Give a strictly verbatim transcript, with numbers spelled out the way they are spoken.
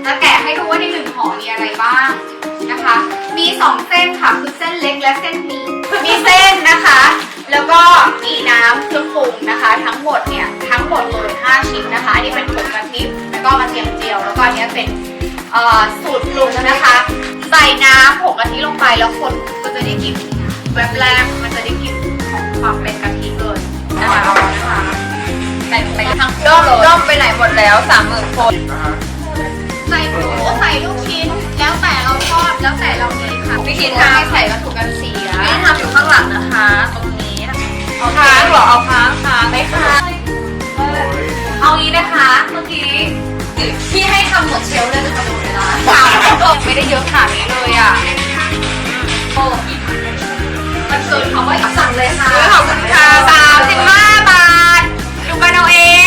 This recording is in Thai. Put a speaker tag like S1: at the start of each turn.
S1: จะแกะให้ดูว่าในหนึ่งห่อมีอะไรบ้างนะคะมีสองเส้นค่ะคือเส้นเล็กและเส้นหมี่มีเส้นนะคะแล้วก็มีน้ำเครื่องปรุงนะคะทั้งหมดเนี่ยทั้งหมดเลยห้าชิ้นนะคะอันนี้เป็นผงกะทิแล้วก็กระเทียมเจียวแล้วก็อันนี้เป็นสูตรปรุงนะคะใส่น้ำผงกะทิลงไปแล้วคนก็จะได้กลิ่นแบบแรกมันจะได้กลิ่นของความเป็นกะทิเลยนะคะนะคะใส่ไปทั้งเครื่องเลย
S2: ด้อมไปไหนหมดแล้วสามหมื่นคน
S1: ใส่หมูใส่ลูกชิ้นแล้วแต่เราชอบแล้วแต่เราเลยค่ะ
S2: วิธี
S1: ทำ
S2: ทำ
S1: ให้ใส่วัตถุกันเสีย
S2: ไม่ทำอยู่ข้างหลังนะคะตรงนี้เอาค้างเหรอเอาค้างค้างได้ค่ะเอางี้นะคะเมื่อกี้พี่ให้ทำหมดเชลฟ์เลยจะดูเลยนะสามคนไม่ได้เยอะขนาดนี้เลยอ่ะโอ้มันเกินคำว่าสั่งเลยค่ะขอบคุณค่ะสามสิบห้าบาทดูกันเอาเอง